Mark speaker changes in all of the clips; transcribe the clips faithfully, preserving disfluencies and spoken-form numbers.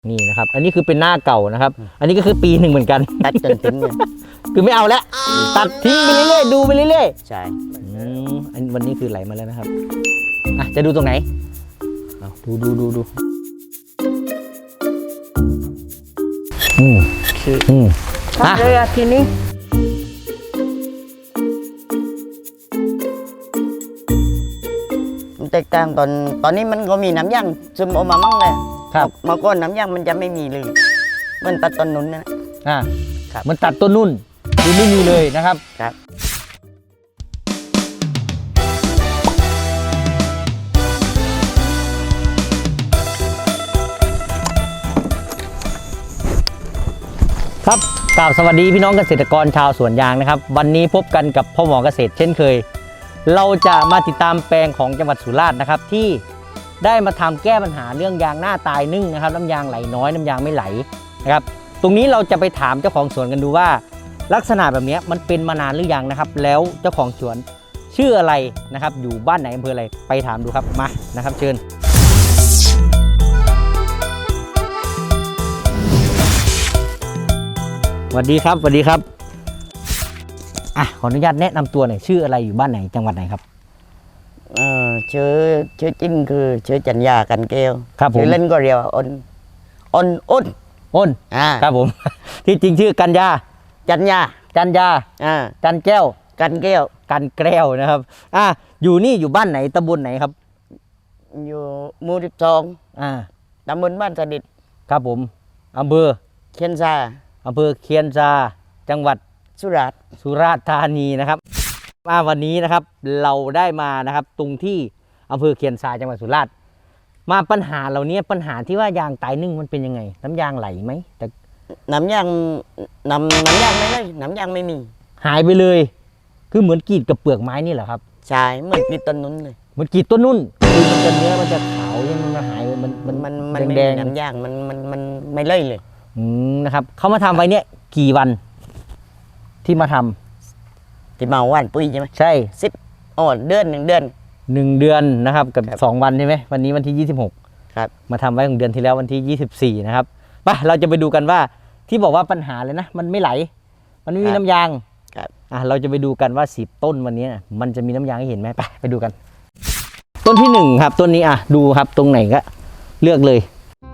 Speaker 1: นี่นะครับอันนี้คือเป็นหน้าเก่านะครับอันนี้ก็คือปีหนึ่งเหมือนกัน
Speaker 2: ตัดจนทิ้งเลย
Speaker 1: คือไม่เอาแล้วตัดทิ้งไปเรื่อยๆดูไปเรื่อย
Speaker 2: ๆใช่
Speaker 1: อืมอันวันนี้คือไหลมาแล้วนะครับอ่ะจะดูตรงไหนเอาดูดูดูดูอืม
Speaker 2: คือ
Speaker 1: อืม
Speaker 2: ทำเลยอะทีนี้มันแตกต่างตอนตอนนี้มันก็มีน้ำยางซึมออกมามั่งเลย
Speaker 1: ครับ
Speaker 2: เมื่อก่อนน้ำยางมันจะไม่มีเลยมันตัดต้นนุ้นนะ
Speaker 1: อ่า
Speaker 2: ครับ
Speaker 1: มันตัดต้นนุ่นคือไม่มีเลยนะครับ
Speaker 2: ครับ
Speaker 1: ครับกล่าวสวัสดีพี่น้องเกษตรกรชาวสวนยางนะครับวันนี้พบกันกับพ่อหมอเกษตรเช่นเคยเราจะมาติดตามแปลงของจังหวัดสุราษฎร์นะครับที่ได้มาทำแก้ปัญหาเรื่องยางหน้าตายนึ่งนะครับน้ำยางไหลน้อยน้ำยางไม่ไหลนะครับตรงนี้เราจะไปถามเจ้าของสวนกันดูว่าลักษณะแบบนี้มันเป็นมานานหรือยังนะครับแล้วเจ้าของสวนชื่ออะไรนะครับอยู่บ้านไหนอำเภออะไรไปถามดูครับมานะครับเชิญสวัสดีครับสวัสดีครับอ่ะขออนุญาตแนะนำตัวหน่อยชื่ออะไรอยู่บ้านไหนจังหวัดไหนครับ
Speaker 2: เออชื่อชื่อจริงคือชื่อจัญญากันแก้ว
Speaker 1: ครับผม
Speaker 2: ชื่อเล่นก็เรียกว่าอ้นอ้นอ้น
Speaker 1: อ้น
Speaker 2: อ่า
Speaker 1: ครับผมที่จริงชื่อกัญญา
Speaker 2: จัญญา
Speaker 1: จัญญา
Speaker 2: อ่า
Speaker 1: จันแก้ว
Speaker 2: กันแก้ว
Speaker 1: กันแก้วนะครับอ่ะอยู่นี่อยู่บ้านไหนตำบลไหนครับ
Speaker 2: อยู่หมู่สิบสอง
Speaker 1: อ่า
Speaker 2: ตำบลบ้านสดิษ
Speaker 1: ครับผมอำเภอ
Speaker 2: เคียนซา
Speaker 1: อำเภอเคียนซาจังหวัด
Speaker 2: สุราษฎร์
Speaker 1: สุราษฎร์ธานีนะครับมาวันนี้นะครับเราได้มานะครับตรงที่อำเภอเคียนซาจังหวัดสุราษฎร์มาปัญหาเหล่านี้ปัญหาที่ว่ายางตายนึ่งมันเป็นยังไงน้ำยางไหลไหมแต่
Speaker 2: น้ำยางน้ำน้ำยางไม่ได้น้ำยางไม่มี
Speaker 1: หายไปเลยคือเหมือนกรีดกับเปลือกไม้นี่แหละครับ
Speaker 2: ใช่เหมือนกรีดต้นนุ้นเลย
Speaker 1: เหมือนกรีดต้นนุ่นคือมันจะเนื้อมันจะขาวยังมันหายมันมัน
Speaker 2: มันมัน
Speaker 1: แดง
Speaker 2: น้ำยางมันมันมันไม่เลยเลย
Speaker 1: อืมนะครับเขามาทำไว้เนี่ยกี่วันที่มาทำ
Speaker 2: ที่มาว่านปุ๋ยใช่ไหม
Speaker 1: ใช่
Speaker 2: สิบอ๋อเดือนหนึ่งเดือน
Speaker 1: หนึ่งเดือนนะครับกับสองวันใช่ไหมวันนี้วันที่ยี่สิบหก
Speaker 2: ครับ
Speaker 1: มาทำไว้ของเดือนที่แล้ววันที่ยี่สิบสี่นะครับไปเราจะไปดูกันว่าที่บอกว่าปัญหาเลยนะมันไม่ไหลมันไม่มีน้ำยาง
Speaker 2: ครับ
Speaker 1: อ่ะเราจะไปดูกันว่าสิบต้นวันนี้มันจะมีน้ำยางให้เห็นไหมไปไปดูกัน ต้นที่หนึ่งครับต้นนี้อ่ะดูครับตรงไหนก็เลือกเลย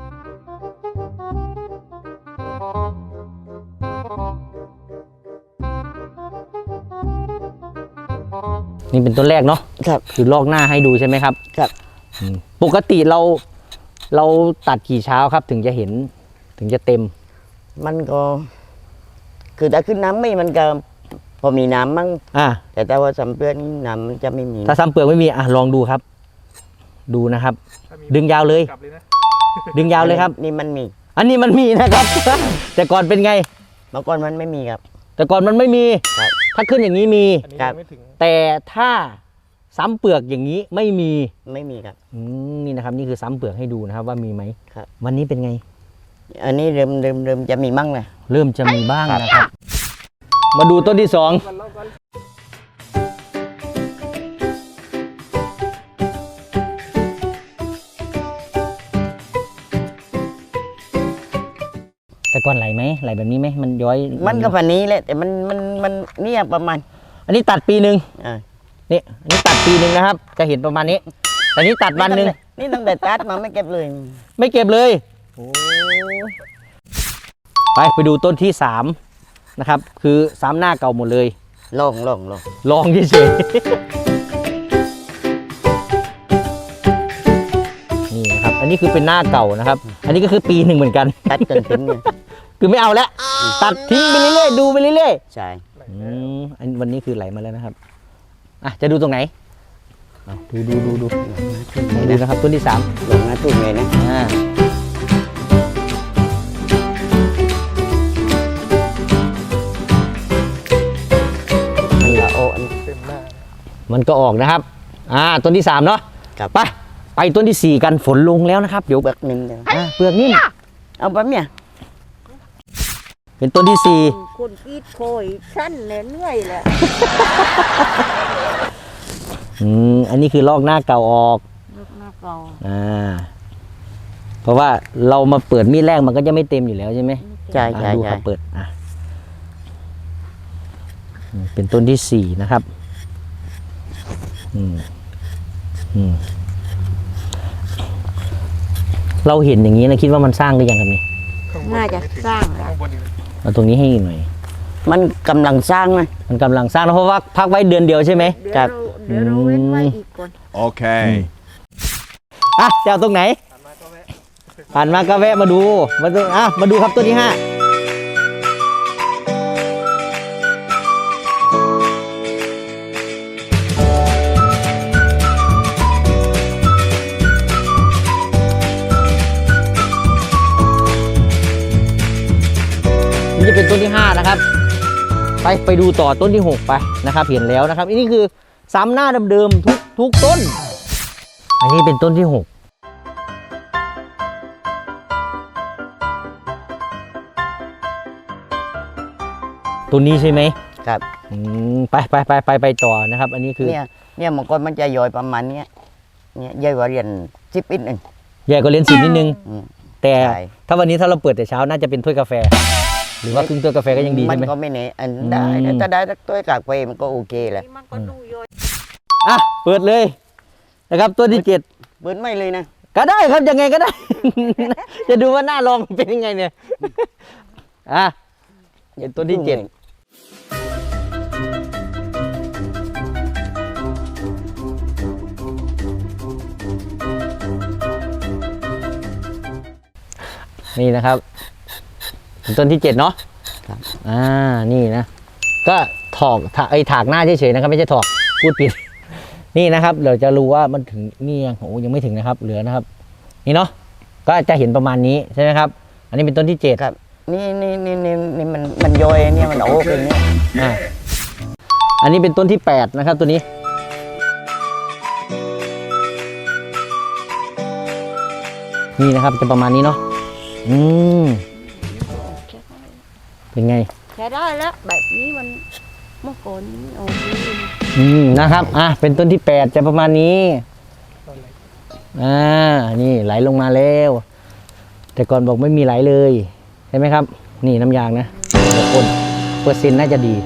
Speaker 1: นี่เป็นต้นแรกเนาะ
Speaker 2: ครับ
Speaker 1: คือลอกหน้าให้ดูใช่ไหมครับ
Speaker 2: ครับ
Speaker 1: ปกติเราเราตัดกี่เช้าครับถึงจะเห็นถึงจะเต็ม
Speaker 2: มันก็คือถ้าขึ้นน้ำไม่มันก็พอมีน้ำมั้ง
Speaker 1: อ่า
Speaker 2: แต่แต่ว่าสัมเปลือกน้ำมันจะไม่มี
Speaker 1: ถ้าซ้ำเปลือกไม่มีอ่ะลองดูครับดูนะครับดึงยาวเลยดึงยาวเลยครับ
Speaker 2: นี่มันมี
Speaker 1: อันนี้มันมีนะครับ แต่ก่อนเป็นไง
Speaker 2: เมื่อก่อนมันไม่มีครับ
Speaker 1: แต่ก่อนมันไม่มีถ้าขึ้นอย่างนี้มี
Speaker 2: ครับ
Speaker 1: แต่ถ้าซ้ำเปลือกอย่างนี้ไม่มี
Speaker 2: ไม่มีครับ
Speaker 1: อืมนี่นะครับนี่คือซ้ำเปลือกให้ดูนะครับว่ามีไหม
Speaker 2: ครับ
Speaker 1: วันนี้เป็นไง
Speaker 2: อันนี้เริ่มเริ่มเริ่มจะมีมั่งเลย
Speaker 1: เริ่มจะมีบ้างนะครับมาดูต้นที่สองแต่ก่อนไหลไหมไหลแบบนี้ไหมมันย้อย
Speaker 2: มันก็พันนี้แหละแต่มันมันมันเนี่ยประมาณ
Speaker 1: อันนี้ตัดปีหนึ่ง
Speaker 2: อ่า
Speaker 1: นี่อันนี้ตัดปีหนึ่งนะครับจะเห็นประมาณนี้แต่นี้ตัดวันหนึ่ง
Speaker 2: นี่ตั้งแต่ตัดมาไม่เก็บเลย
Speaker 1: ไม่เก็บเลยโอ้ไปไปดูต้นที่สามนะครับคือซ้ำหน้าเก่าหมดเลย
Speaker 2: ลองลองลอง
Speaker 1: ลองเฉยนี่นะครับอันนี้คือเป็นหน้าเก่านะครับอันนี้ก็คือปีหนึ่งเหมือนกัน
Speaker 2: ตัดจนทิ้งเลย
Speaker 1: คือไม่เอาแล้วตัดทิ้งไปเรื่อยๆดูไปเรื่อย
Speaker 2: ๆใช่
Speaker 1: อืมอันวันนี้คือไหลมาแล้วนะครับอ่ะจะดูตรงไหนดูดูดูดูดูนะครับต้นที่สาม
Speaker 2: ลงหน้าตุ้มเลยนะ
Speaker 1: อ่ามันก็ออกนะครับอ่าต้นที่สามเนาะไปไปต้นที่สี่กันฝนลงแล้วนะครับเดี๋ยว
Speaker 2: เปลือกนิ่ม
Speaker 1: เปลือกนิ่ม
Speaker 2: เอาไปเนี่ย
Speaker 1: เป็นต้นที่สี่
Speaker 3: คนกีดโคยสั้นเหนื่อยแหละ
Speaker 1: อืมอันนี้คือลอกหน้าเก่าออก
Speaker 3: ลอกหน้าเก่า
Speaker 1: อ่าเพราะว่าเรามาเปิดมีดแรกมันก็จะไม่เต็มอยู่แล้วใช่ไหม
Speaker 2: ใช่
Speaker 1: อ่ะ
Speaker 2: ใช่
Speaker 1: ดูค
Speaker 2: ใช่
Speaker 1: รับเปิดอ่ะอืมเป็นต้นที่สี่นะครับอืมอืมเราเห็นอย่างนี้นะคิดว่ามันสร้างหรือยังครับนี่
Speaker 3: น่าจะสร้างแล้ว
Speaker 1: เอาตรงนี้ให้อีกหน่อย
Speaker 2: มันกำลังสร้างนะ
Speaker 1: มันกำลังสร้างนะเพราะว่าพักไว้เดือนเดียวใช่ไหม
Speaker 3: เดี๋ยว
Speaker 2: ครั
Speaker 3: เรา
Speaker 2: บ
Speaker 3: เดี๋ยวเราเว้นไว้อีกก่อน
Speaker 4: Okay.
Speaker 1: อ่ะจะเอาตรงไหนผ่านมาก็แวะมาดูมาดูอ่ะมาดูครับต้นที่ห้านี่จะเป็นต้นที่ห้านะครับ ไปไปดูต่อต้นที่หกไปนะครับ เห็นแล้วนะครับอันนี้คือซ้ำหน้าเดิมๆทุกทุกต้น อันนี้เป็นต้นที่หกตัวนี้ใช่ไหม
Speaker 2: ครับ
Speaker 1: อืมไปไปไปไปไปต่อนะครับ อันนี้คือ
Speaker 2: เนี่ยเนี่ยมันก็มันจะย่อยประมาณเนี้ยเนี่ยย่อยกว่าเรียนสิบอินหนึ่ง
Speaker 1: ใหญ่กว่าเหรียญสิบนิดนึง
Speaker 2: อืม
Speaker 1: แต่
Speaker 2: ใช่
Speaker 1: ถ้าวันนี้ถ้าเราเปิดแต่เช้าน่าจะเป็นถ้วยกาแฟ หรือว่าครึ่งถ้วยกาแฟก็ยังดี
Speaker 2: มั
Speaker 1: ใช่ไหม
Speaker 2: ก็ไม่เน่อันได้
Speaker 1: อืม
Speaker 2: ถ้าได้สักตัวกากไปมันก็โอเคแหละ
Speaker 3: นี่มันก็ดูย่อย
Speaker 1: อ่ะเปิดเลยนะครับตัวที่เจ็ด
Speaker 2: เบิร์นไม่เลยนะ
Speaker 1: ก็ได้ครับยังไงก็ได้ จะดูว่าหน้าลองเป็นยังไงเนี่ย อ่ะเป็นตัวที่เจ็ดนี่นะครับเป็นต้นที่เจ็ดเนาะ
Speaker 2: ครับ
Speaker 1: อ่านี่นะ ก็ถอกถาไอ้ถากหน้าเฉยๆนะครับ ไม่ใช่ถอกพูดผิด นี่นะครับเราจะรู้ว่ามันถึงนี่ยังโอ้ยังไม่ถึงนะครับ เหลือนะครับ นี่เนาะก็จะเห็นประมาณนี้ใช่ไหมครับ อันนี้เป็นต้นที่เจ็ด
Speaker 2: ครับนี่นี่นี่นี่นี่มันมันย่อยเนี่ยมันโอ้เป็นเนี่ย
Speaker 1: อ่าอันนี้เป็นต้นที่แปดนะครับ ตัวนี้ นี่นะครับจะประมาณนี้เนาะอืมเป็นไง
Speaker 3: ใช้ได้แล้วแบบนี้มันเมื่อก่อนนี้โอ้โห
Speaker 1: อืมนะครับ อ่ะ เป็นต้นที่แปดจะประมาณนี้ อ่า นี่ไหลลงมาแล้ว แต่ก่อนบอกไม่มีไหลเลย ใช่ไหมครับ นี่น้ำยางนะแต่คนเปอร์เซ็นต์น่าจะดี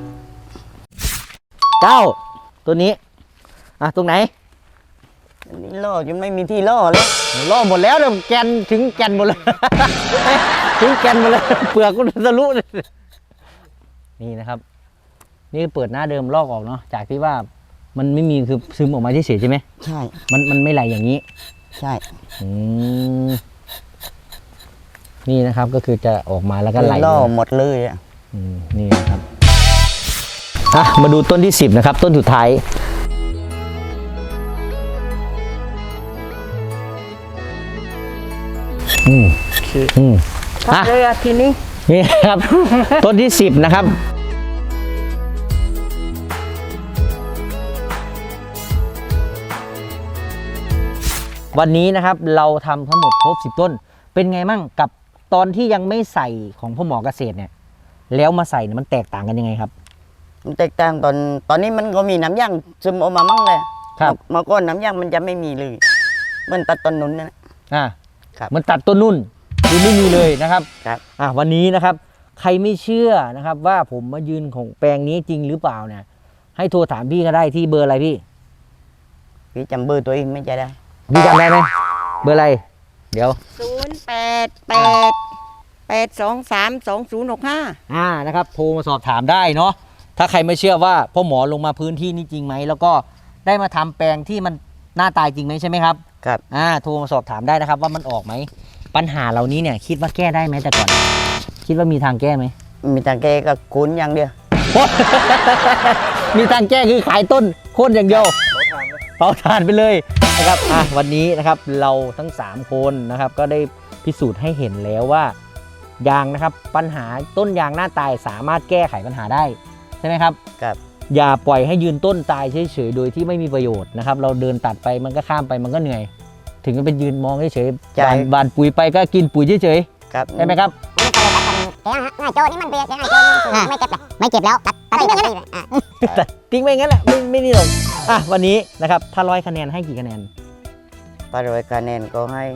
Speaker 1: เก้า ตัวนี้ อ่ะ ตรงไหน
Speaker 2: อันนี้ล่อจนไม่มีที่ล่อแล้ว
Speaker 1: ล่อหมดแล้วเดี๋ยวแกนถึงแกนหมดเลย ถึงแกนหมดเลย เปลือกก็ทะลุเลยนี่นะครับ นี่เปิดหน้าเดิมลอกออกเนาะ จากที่ว่ามันไม่มีคือซึมออกมาเฉยๆใช่ไหม
Speaker 2: ใช่
Speaker 1: มันมันไม่ไหลอย่างนี้
Speaker 2: ใช่
Speaker 1: อืมนี่นะครับก็คือจะออกมาแล้วก็ไหล
Speaker 2: ล่อ
Speaker 1: เลย
Speaker 2: หมดเลยอ่ะ
Speaker 1: อืมนี่นะครับอ่ะมาดูต้นที่สิบนะครับ ต้นสุดท้ายอืมอืม
Speaker 3: ครับ
Speaker 1: อ่ะ
Speaker 3: เลยอะทีนี้
Speaker 1: นี่ครับ ต้นที่สิบนะครับ วันนี้นะครับเราทำทั้งหมดครบสิบต้น เป็นไงมั่งกับตอนที่ยังไม่ใส่ของพ่อหมอเกษตรเนี่ย แล้วมาใส่เนี่ยมันแตกต่างกันยังไงครับ
Speaker 2: มันแตกต่างตอนตอนนี้มันก็มีน้ำยางซึมออกมามั่งเลย
Speaker 1: ครับ
Speaker 2: เมื่อก่อนน้ำยางมันจะไม่มีเลยเหมันตัดต้นนุนนะ
Speaker 1: อ่า
Speaker 2: ครับ
Speaker 1: มันตัดต้นนุ่นคือไม่มีเลยนะครับ
Speaker 2: ครับ
Speaker 1: อ่ะวันนี้นะครับ ใครไม่เชื่อนะครับ ว่าผมมายืนของแปลงนี้จริงหรือเปล่าเนี่ย ให้โทรถามพี่ก็ได้ที่เบอร์อะไรพี่
Speaker 2: พี่จำเบอร์ตัวเองไม่ใช่ได้
Speaker 1: พี่จำได้ไหมเบอร์อะไร เดี๋ยว
Speaker 3: ศูนย์แปดแปดแปดสองสามสองศูนย์หกห้า
Speaker 1: อ่านะครับโทรมาสอบถามได้เนาะถ้าใครไม่เชื่อว่าพ่อหมอลงมาพื้นที่นี้จริงไหมแล้วก็ได้มาทำแปลงที่มันหน้าตายจริงไหมใช่ไหมครับ
Speaker 2: ครับ
Speaker 1: อ่าโทรมาสอบถามได้นะครับว่ามันออกไหมปัญหาเหล่านี้เนี่ย คิดว่าแก้ได้ไหมแต่ก่อน คิดว่ามีทางแก้ไหม
Speaker 2: มีทางแกก็คุ้นอย่างเดียว
Speaker 1: มีทางแก้คือขายต้นโค่นอย่างเดียวเผาถ่านไปเลยนะครับอ่ะวันนี้นะครับเราทั้งสามคนนะครับ ก็ได้พิสูจน์ให้เห็นแล้วว่ายางนะครับ ปัญหาต้นยางหน้าตายสามารถแก้ไขปัญหาได้ใช่ไหมครับ
Speaker 2: ครับ
Speaker 1: อย่าปล่อยให้ยืนต้นตายเฉยๆโดยที่ไม่มีประโยชน์นะครับ เราเดินตัดไปมันก็ข้ามไปมันก็เหนื่อย ถึงจะเป็นยืนมองเฉยๆ
Speaker 2: ใช่
Speaker 1: บานบานปุ๋ยไปก็กินปุ๋ยเฉย
Speaker 2: ครับ
Speaker 1: ๆใช่ไหมครับ
Speaker 5: โจนี่มันเบียดยังไงโจนี่ไม่เจ็บเลยไม่เจ็บแล้วตัดตัดทิ้งไปเลยอ่ะ
Speaker 1: แต่ทิ้งไปงั้นแหละไม่ไม่นี่หรอกอ่ะวันนี้นะครับถ้าร้อยคะแนนให้กี่คะแนน
Speaker 2: ปารวยคะแนนก็ให้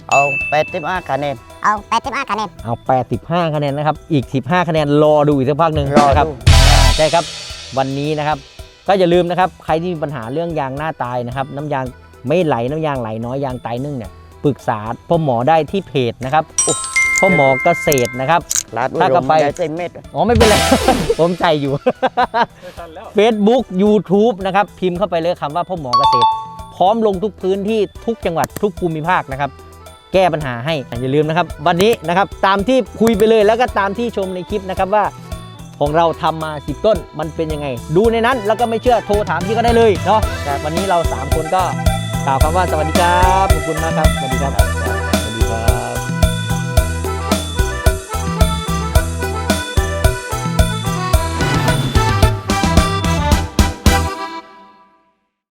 Speaker 2: เอาแปดสิบห้าคะแนน
Speaker 5: เอาแปดสิบห้าคะแนน
Speaker 1: เอาแปดสิบห้าคะแนนนะครับอีกสิบห้าคะแนนรอดูอีกสักพักหนึ่ง
Speaker 2: รอ
Speaker 1: นะครับ
Speaker 2: ดู
Speaker 1: อ่าใช่ครับวันนี้นะครับก็อย่าลืมนะครับใครที่มีปัญหาเรื่องยางหน้าตายนะครับน้ำยางไม่ไหลน้ำยางไหลน้อยยางตายนึ่งเนี่ยปรึกษาพ่อหมอได้ที่เพจนะครับพ่อหมอเกษตรนะครับ
Speaker 2: ลาด
Speaker 1: ถ้ากลับไป
Speaker 2: ได้เต็มเม็ด
Speaker 1: อ๋อไม่เป็นไร ผมใจอยู่ Facebook YouTube นะครับพิมพ์เข้าไปเลยคำว่าพ่อหมอเกษตร พร้อมลงทุกพื้นที่ทุกจังหวัดทุกภูมิภาคนะครับแก้ปัญหาให้อย่าลืมนะครับวันนี้นะครับตามที่คุยไปเลยแล้วก็ตามที่ชมในคลิปนะครับว่าของเราทำมาสิบต้นมันเป็นยังไง ดูในนั้นแล้วก็ไม่เชื่อโทรถามพี่ก็ได้เลยเนาะแต่วันนี้เราสามคนก็กล่าวคำว่าสวัสดีครับขอบคุณมากครับสวัสดีครับ